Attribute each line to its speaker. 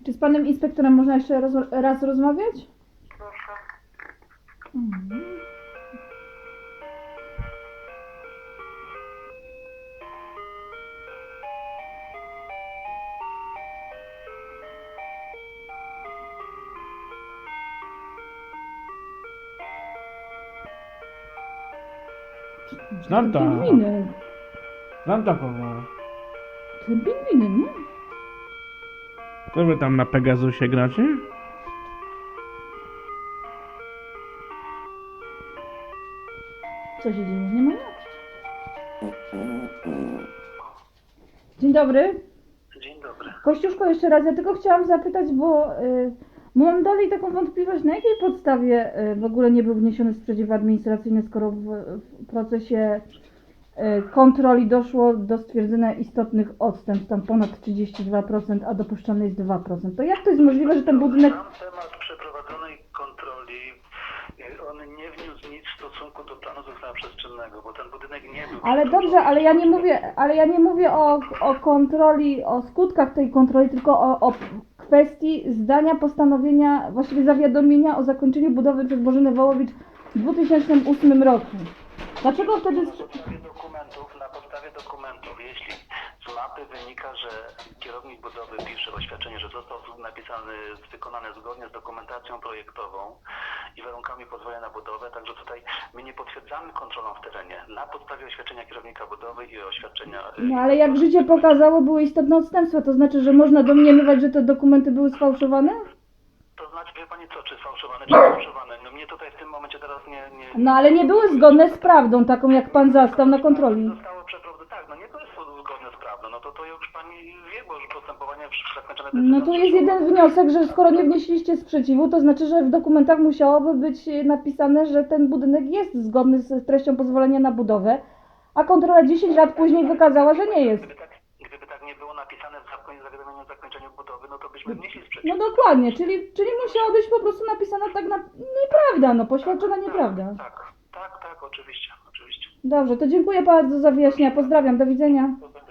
Speaker 1: Czy z panem inspektorem można jeszcze raz rozmawiać?
Speaker 2: Proszę.
Speaker 1: Mhm.
Speaker 3: Znam to.
Speaker 1: Pingwinek.
Speaker 3: Znam taką.
Speaker 1: Ten pingwinek, nie?
Speaker 3: Co wy tam na Pegasusie gracie?
Speaker 1: Co się dzieje? Nie ma nic. Dzień dobry.
Speaker 2: Dzień dobry.
Speaker 1: Kościuszko, jeszcze raz, ja tylko chciałam zapytać, bo mam dalej taką wątpliwość, na jakiej podstawie w ogóle nie był wniesiony sprzeciw administracyjny, skoro w procesie kontroli doszło do stwierdzenia istotnych odstępstw, tam ponad 32%, a dopuszczalne jest 2%. To jak to jest możliwe, że ten budynek...
Speaker 2: Sam temat przeprowadzonej kontroli, on nie wniósł nic w stosunku do planu zostania przestrzennego, bo ten budynek nie był...
Speaker 1: Ale dobrze, ale ja nie mówię o kontroli, o skutkach tej kontroli, tylko o kwestii zdania postanowienia, właściwie zawiadomienia o zakończeniu budowy przez Bożenę Wołowicz w 2008 roku. Dlaczego wtedy...
Speaker 2: Na podstawie dokumentów, jeśli z mapy wynika, że kierownik budowy pisze oświadczenie, że został wykonany zgodnie z dokumentacją projektową i warunkami pozwolenia na budowę, także tutaj my nie potwierdzamy kontrolą w terenie. Na podstawie oświadczenia kierownika budowy i oświadczenia...
Speaker 1: No ale jak życie pokazało, były istotne odstępstwa, to znaczy, że można domniemywać, że te dokumenty były sfałszowane?
Speaker 2: To znaczy, wie pani co, czy sfałszowane, czy sfałszowane? No mnie tutaj w tym momencie teraz nie...
Speaker 1: No ale nie były zgodne z prawdą, taką jak pan zastał na kontroli.
Speaker 2: Zostało przeprowadzone, tak, no nie to jest zgodne z prawdą, no to już pani wie, bo już postępowanie zakończone
Speaker 1: No tu jest jeden wniosek, że skoro nie wnieśliście sprzeciwu, to znaczy, że w dokumentach musiałoby być napisane, że ten budynek jest zgodny z treścią pozwolenia na budowę, a kontrola 10 lat później wykazała, że nie jest.
Speaker 2: Gdyby tak nie było napisane w zawiadomieniu o zakończeniu budowy, no to byśmy wnieśli sprzeciw.
Speaker 1: No dokładnie, czyli musiała być po prostu napisana tak nieprawda, no poświadczona nieprawda.
Speaker 2: Tak, oczywiście.
Speaker 1: Dobrze, to dziękuję bardzo za wyjaśnienia, pozdrawiam, do widzenia.
Speaker 2: Dobra.